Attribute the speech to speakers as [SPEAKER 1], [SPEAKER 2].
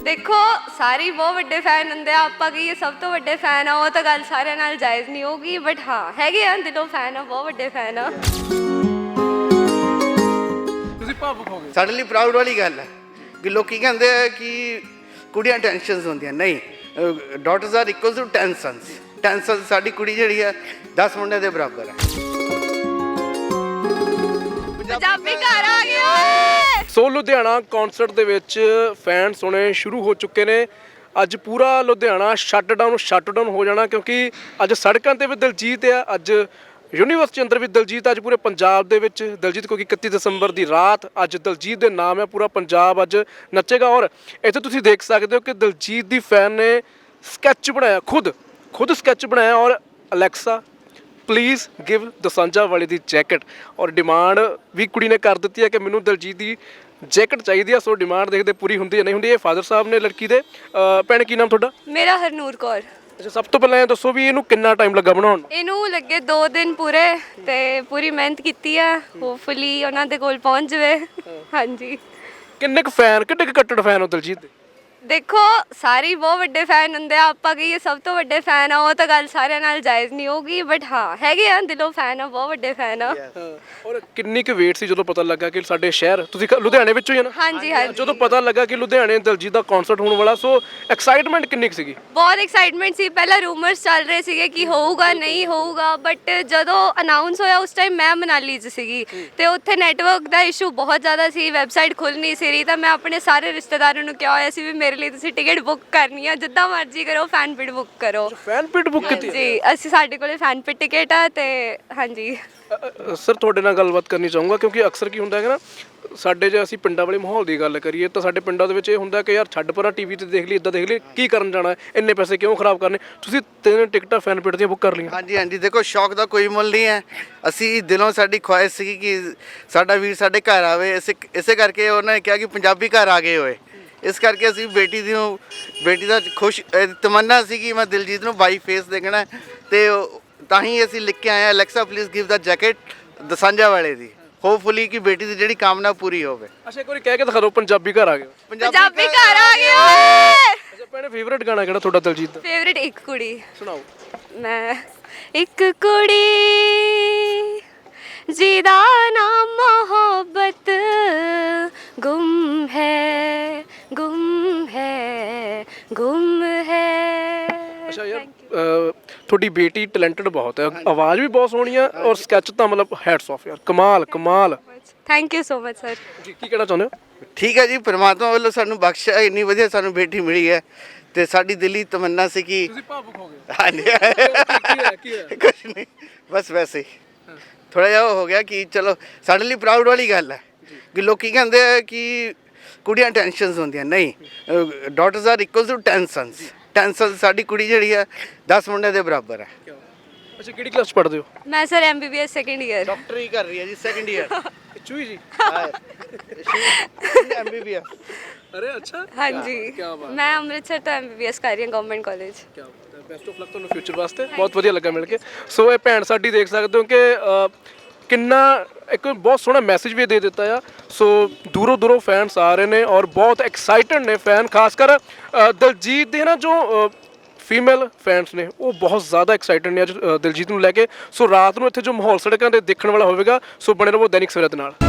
[SPEAKER 1] ਦੇਖੋ ਸਾਰੇ ਹੀ ਬਹੁਤ ਵੱਡੇ ਫੈਨ ਹੁੰਦੇ ਆ, ਆਪਾਂ ਕਹੀਏ ਸਭ ਤੋਂ ਵੱਡੇ ਫੈਨ ਆ, ਉਹ ਤਾਂ ਗੱਲ ਸਾਰਿਆਂ ਨਾਲ ਜਾਇਜ਼ ਨਹੀਂ ਹੋਊਗੀ, ਬਟ ਹਾਂ ਹੈਗੇ ਆ ਦਿਲੋਂ ਫੈਨ ਆ, ਬਹੁਤ ਵੱਡੇ ਫੈਨ ਆ।
[SPEAKER 2] ਤੁਸੀਂ ਭਾਵੁਕ ਹੋ ਗਏ।
[SPEAKER 3] ਸਾਡੇ ਲਈ ਪ੍ਰਾਊਡ ਵਾਲੀ ਗੱਲ ਹੈ ਕਿ ਲੋਕੀ ਕਹਿੰਦੇ ਆ ਕਿ ਕੁੜੀਆਂ ਟੈਨਸ਼ਨਸ ਹੁੰਦੀਆਂ, ਨਹੀਂ, daughters are equal to 10 sons. 10 sons ਸਾਡੀ ਕੁੜੀ ਜਿਹੜੀ ਹੈ 10 ਮੁੰਡਿਆਂ ਦੇ ਬਰਾਬਰ ਹੈ।
[SPEAKER 1] ਪੰਜਾਬੀ ਘਰ ਆ ਗਏ ਓਏ।
[SPEAKER 2] ਸੋ ਲੁਧਿਆਣਾ ਕਨਸਰਟ ਦੇ ਵਿੱਚ ਫੈਨਸ ਹੋਣੇ ਸ਼ੁਰੂ ਹੋ ਚੁੱਕੇ ਨੇ। ਅੱਜ ਪੂਰਾ ਲੁਧਿਆਣਾ ਸ਼ਟ ਡਾਊਨ ਹੋ ਜਾਣਾ, ਕਿਉਂਕਿ ਅੱਜ ਸੜਕਾਂ ਤੇ ਵੀ ਦਿਲਜੀਤ ਆ, ਅੱਜ ਯੂਨੀਵਰਸਿਟੀ ਅੰਦਰ ਵੀ ਦਿਲਜੀਤ, ਅੱਜ ਪੂਰੇ ਪੰਜਾਬ ਦੇ ਵਿੱਚ ਦਿਲਜੀਤ, ਕਿਉਂਕਿ 31 ਦਸੰਬਰ ਦੀ ਰਾਤ ਅੱਜ ਦਿਲਜੀਤ ਦੇ ਨਾਮ ਹੈ, ਪੂਰਾ ਪੰਜਾਬ ਅੱਜ ਨੱਚੇਗਾ। ਔਰ ਇੱਥੇ ਤੁਸੀਂ ਦੇਖ ਸਕਦੇ ਹੋ ਕਿ ਦਿਲਜੀਤ ਦੀ ਫੈਨ ਨੇ ਸਕੈਚ ਬਣਾਇਆ, ਖੁਦ ਸਕੈਚ ਬਣਾਇਆ, ਔਰ ਅਲੈਕਸਾ ਪਲੀਜ਼ ਗਿਵ ਦੋਸਾਂਝਾ ਵਾਲੇ ਦੀ ਜੈਕਟ। ਔਰ ਡਿਮਾਂਡ ਵੀ ਕੁੜੀ ਨੇ ਕਰ ਦਿੱਤੀ ਹੈ ਕਿ ਮੈਨੂੰ ਦਿਲਜੀਤ ਦੀ ਜੈਕਟ ਚਾਹੀਦੀ ਆ। ਸੋ ਡਿਮਾਂਡ ਦੇਖਦੇ ਪੂਰੀ ਹੁੰਦੀ ਹੈ ਨਹੀਂ ਹੁੰਦੀ। ਇਹ ਫਾਦਰ ਸਾਹਿਬ ਨੇ ਲੜਕੀ ਦੇ। ਭੈਣ ਕੀ ਨਾਮ ਤੁਹਾਡਾ?
[SPEAKER 1] ਮੇਰਾ ਹਰਨੂਰ ਕੌਰ।
[SPEAKER 2] ਅੱਛਾ, ਸਭ ਤੋਂ ਪਹਿਲਾਂ ਇਹ ਦੱਸੋ ਵੀ ਇਹਨੂੰ ਕਿੰਨਾ ਟਾਈਮ ਲੱਗਾ ਬਣਾਉਣ ਨੂੰ?
[SPEAKER 1] ਇਹਨੂੰ ਲੱਗੇ 2 ਦਿਨ ਪੂਰੇ, ਤੇ ਪੂਰੀ ਮਿਹਨਤ ਕੀਤੀ ਆ, ਹੋਪਫੁਲੀ ਉਹਨਾਂ ਦੇ ਕੋਲ ਪਹੁੰਚ ਜਾਵੇ। ਹਾਂਜੀ।
[SPEAKER 2] ਕਿੰਨੇ ਕੁ ਕੱਟੜ ਫੈਨ ਹੋ ਦਿਲਜੀਤ ਦੇ?
[SPEAKER 1] ਦੇਖੋ ਸਾਰੇ ਹੀ ਬਹੁਤ ਵੱਡੇ ਫੈਨ ਹੁੰਦੇ ਆ, ਆਪਾਂ ਕਹੀਏ ਸਭ ਤੋਂ ਵੱਡੇ ਫੈਨ ਆ, ਉਹ ਤਾਂ ਗੱਲ ਸਾਰਿਆਂ ਨਾਲ ਜਾਇਜ਼ ਨਹੀਂ ਹੋਊਗੀ, ਬਟ ਹਾਂ ਹੈਗੇ ਆ ਦਿਲੋਂ ਫੈਨ ਆ, ਬਹੁਤ ਵੱਡੇ ਫੈਨ ਆ।
[SPEAKER 2] ਔਰ ਕਿੰਨੀ ਕੁ ਵੇਟ ਸੀ ਜਦੋਂ ਪਤਾ ਲੱਗਾ ਕਿ ਸਾਡੇ ਸ਼ਹਿਰ, ਤੁਸੀਂ ਲੁਧਿਆਣੇ ਵਿੱਚੋਂ ਹੀ ਆ ਨਾ?
[SPEAKER 1] ਹਾਂਜੀ ਹਾਂਜੀ।
[SPEAKER 2] ਜਦੋਂ ਪਤਾ ਲੱਗਾ ਕਿ ਲੁਧਿਆਣੇ ਦਿਲਜੀਤ ਦਾ ਕਨਸਰਟ ਹੋਣ ਵਾਲਾ, ਸੋ ਐਕਸਾਈਟਮੈਂਟ ਕਿੰਨੀ ਕੁ ਸੀਗੀ?
[SPEAKER 1] ਬਹੁਤ ਐਕਸਾਈਟਮੈਂਟ ਸੀ। ਪਹਿਲਾਂ ਰੂਮਰਸ ਚੱਲ ਰਹੇ ਸੀਗੇ ਕਿ ਹੋਊਗਾ ਨਹੀਂ ਹੋਊਗਾ, ਬਟ ਜਦੋਂ ਅਨਾਉਂਸ ਹੋਇਆ ਉਸ ਟਾਈਮ ਮੈਂ ਮਨਾਲੀ 'ਚ ਸੀਗੀ, ਤੇ ਉੱਥੇ ਨੈਟਵਰਕ ਦਾ ਇਸ਼ੂ ਬਹੁਤ ਜ਼ਿਆਦਾ ਸੀ, ਵੈਬਸਾਈਟ ਖੁੱਲ੍ਹ ਨਹੀਂ ਸੀ ਰਹੀ, ਤਾਂ ਮੈਂ ਆਪਣੇ ਸਾਰੇ ਰਿਸ਼ਤੇਦਾਰਾਂ ਨੂੰ ਕਿਹਾ ਹੋਇਆ ਸੀ ਵੀ ਮੇਰੇ ਲਈ ਤੁਸੀਂ ਟਿਕਟ ਬੁੱਕ ਕਰਨੀ ਆ, ਜਿੱਦਾਂ ਮਰਜ਼ੀ ਕਰੋ, ਫੈਨ ਪਿਟ ਬੁੱਕ ਕਰੋ।
[SPEAKER 2] ਫੈਨ ਪਿਟ ਬੁੱਕ ਕੀਤੀ?
[SPEAKER 1] ਜੀ, ਅਸੀਂ ਸਾਡੇ ਕੋਲੇ ਫੈਨ ਪਿਟ ਟਿਕਟ ਆ, ਤੇ ਹਾਂਜੀ।
[SPEAKER 2] ਸਰ ਤੁਹਾਡੇ ਨਾਲ ਗੱਲਬਾਤ ਕਰਨੀ ਚਾਹੂੰਗਾ, ਕਿਉਂਕਿ ਅਕਸਰ ਕੀ ਹੁੰਦਾ ਹੈ ਨਾ, ਸਾਡੇ ਜੇ ਅਸੀਂ ਪਿੰਡਾਂ ਵਾਲੇ ਮਾਹੌਲ ਦੀ ਗੱਲ ਕਰੀਏ ਤਾਂ ਸਾਡੇ ਪਿੰਡਾਂ ਦੇ ਵਿੱਚ ਇਹ ਹੁੰਦਾ ਕਿ ਯਾਰ ਛੱਡ ਪਰਾਂ, ਟੀਵੀ ਤੇ ਦੇਖ ਲਈ, ਇੱਦਾਂ ਦੇਖ ਲਈ, ਕੀ ਕਰਨ ਜਾਣਾ, ਇੰਨੇ ਪੈਸੇ ਕਿਉਂ ਖਰਾਬ ਕਰਨੇ। ਤੁਸੀਂ 3 ਟਿਕਟਾਂ ਫੈਨ ਪਿਟ ਦੀਆਂ ਬੁੱਕ ਕਰ ਲਈਆਂ?
[SPEAKER 3] ਹਾਂਜੀ ਹਾਂਜੀ, ਦੇਖੋ ਸ਼ੌਕ ਦਾ ਕੋਈ ਮੁੱਲ ਨਹੀਂ ਹੈ। ਅਸੀਂ ਦਿਲੋਂ ਸਾਡੀ ਖੁਆਇਸ਼ ਸੀ ਕਿ ਸਾਡਾ ਵੀਰ ਸਾਡੇ ਘਰ ਆਵੇ, ਇਸੇ ਕਰਕੇ ਉਹਨਾਂ ਨੇ ਕਿਹਾ ਕਿ ਪੰਜਾਬੀ ਘਰ ਆ ਗਏ ਹੋਏ। ਇਸ ਕਰਕੇ ਅਸੀਂ ਬੇਟੀ ਦਾ ਖੁਸ਼ ਤਮੰਨਾ ਸੀ ਕਿ ਮੈਂ ਦਿਲਜੀਤ ਨੂੰ ਬਾਈ ਫੇਸ ਦੇਖਣਾ, ਤੇ ਤਾਂ ਹੀ ਅਸੀਂ ਲਿਖ ਕੇ ਆਏ Alexa please give the jacket ਦਸਾਂਝਾ ਵਾਲੇ ਦੀ, ਹੋਪਫੁਲੀ ਕਿ ਬੇਟੀ ਦੀ ਜਿਹੜੀ ਕਾਮਨਾ ਪੂਰੀ ਹੋਵੇ।
[SPEAKER 2] ਅੱਛਾ, ਇੱਕ ਵਾਰੀ ਕਹਿ ਕੇ ਦਿਖਾ ਦਿਓ, ਪੰਜਾਬੀ ਘਰ ਆ ਗਏ।
[SPEAKER 1] ਪੰਜਾਬੀ ਘਰ ਆ ਗਏ ਓਏ।
[SPEAKER 2] ਅੱਛਾ ਭੈਣੇ, ਫੇਵਰੇਟ ਗਾਣਾ ਕਿਹੜਾ ਤੁਹਾਡਾ ਦਿਲਜੀਤ ਦਾ?
[SPEAKER 1] ਫੇਵਰੇਟ ਇੱਕ ਕੁੜੀ
[SPEAKER 2] ਸੁਣਾਓ।
[SPEAKER 1] ਮੈਂ ਇੱਕ ਕੁੜੀ ਜਿਹਦਾ ਨਾਮ ਮੁਹੱਬਤ ਗੁੰਮ ਹੈ ਗੁੰਮ ਹੈ ਗੁੰਮ ਹੈ।
[SPEAKER 2] ਅੱਛਾ ਯਾਰ, ਤੁਹਾਡੀ ਬੇਟੀ ਟੈਲੈਂਟਡ ਬਹੁਤ ਹੈ, ਆਵਾਜ਼ ਵੀ ਬਹੁਤ ਸੋਹਣੀ ਆ, ਔਰ ਸਕੈਚ ਤਾਂ ਮਤਲਬ ਹੈਟਸ ਆਫ ਯਾਰ, ਕਮਾਲ।
[SPEAKER 1] Thank you so much sir.
[SPEAKER 2] ਜੀ ਕੀ ਕਹਿਣਾ ਚਾਹੁੰਦੇ ਹੋ?
[SPEAKER 3] ਠੀਕ ਹੈ ਜੀ, ਪਰਮਾਤਮਾ ਵੱਲੋਂ ਸਾਨੂੰ ਬਖਸ਼ਿਆ, ਇੰਨੀ ਵਧੀਆ ਸਾਨੂੰ ਬੇਟੀ ਮਿਲੀ ਹੈ, ਤੇ ਸਾਡੀ ਦਿਲੀ ਤਮੰਨਾ ਸੀ ਕਿ
[SPEAKER 2] ਤੁਸੀਂ ਭਾਵੁਕ ਹੋ ਗਏ।
[SPEAKER 3] ਹਾਂਜੀ
[SPEAKER 2] ਕੀ ਹੈ?
[SPEAKER 3] ਕੁਛ ਨਹੀਂ, ਬਸ ਵੈਸੇ ਹੀ ਥੋੜਾ ਜਿਹਾ ਹੋ ਗਿਆ ਕਿ ਚਲੋ ਸਾਡੇ ਲਈ ਪ੍ਰਾਊਡ ਵਾਲੀ ਗੱਲ ਹੈ ਕਿ ਲੋਕੀ ਕਹਿੰਦੇ ਆ ਕਿ ਕੁੜੀਆਂ ਟੈਨਸ਼ਨਸ ਹੁੰਦੀਆਂ, ਨਹੀਂ, daughters are equal to 10 sons. 10 sons ਸਾਡੀ ਕੁੜੀ ਜਿਹੜੀ ਹੈ 10 ਮੁੰਡਿਆਂ ਦੇ ਬਰਾਬਰ ਹੈ।
[SPEAKER 2] ਅੱਛਾ, ਕਿਹੜੀ ਕਲਾਸ ਪੜ੍ਹਦੇ ਹੋ?
[SPEAKER 1] ਮੈਂ ਸਰ MBBS ਸੈਕੰਡ ਈਅਰ।
[SPEAKER 3] ਡਾਕਟਰੀ ਕਰ ਰਹੀ ਹੈ ਜੀ, ਸੈਕੰਡ ਈਅਰ।
[SPEAKER 2] ਚੂਈ ਜੀ?
[SPEAKER 3] MBBS।
[SPEAKER 2] ਅਰੇ ਅੱਛਾ,
[SPEAKER 1] ਹਾਂਜੀ, ਮੈਂ ਅੰਮ੍ਰਿਤਸਰ ਤੋਂ MBBS ਕਰ ਰਹੀ ਹਾਂ ਗਵਰਨਮੈਂਟ ਕਾਲਜ।
[SPEAKER 2] ਕੀ ਬਾਤ ਹੈ, ਬੈਸਟ ਆਫ ਲੱਕ ਤੁਹਾਨੂੰ ਫਿਊਚਰ ਵਾਸਤੇ। ਬਹੁਤ ਵਧੀਆ ਲੱਗਾ ਮਿਲ ਕੇ। ਸੋ ਇਹ ਭੈਣ ਸਾਡੀ ਦੇਖ ਸਕਦੇ ਹੋ ਕਿ ਕਿੰਨਾ ਇੱਕ ਬਹੁਤ ਸੋਹਣਾ ਮੈਸੇਜ ਵੀ ਦੇ ਦਿੱਤਾ ਆ। ਸੋ ਦੂਰੋਂ ਫੈਨਸ ਆ ਰਹੇ ਨੇ, ਔਰ ਬਹੁਤ ਐਕਸਾਈਟਡ ਨੇ ਫੈਨ, ਖਾਸ ਕਰ ਦਿਲਜੀਤ ਦੇ ਨਾ ਜੋ ਫੀਮੇਲ ਫੈਨਸ ਨੇ, ਉਹ ਬਹੁਤ ਜ਼ਿਆਦਾ ਐਕਸਾਈਟਡ ਨੇ ਅੱਜ ਦਿਲਜੀਤ ਨੂੰ ਲੈ ਕੇ। ਸੋ ਰਾਤ ਨੂੰ ਇੱਥੇ ਜੋ ਮਾਹੌਲ ਸੜਕਾਂ 'ਤੇ ਦੇਖਣ ਵਾਲਾ ਹੋਵੇਗਾ। ਸੋ ਬਣੇ ਰਹੋ ਦੈਨਿਕ ਸਵੇਰਾ ਦੇ ਨਾਲ।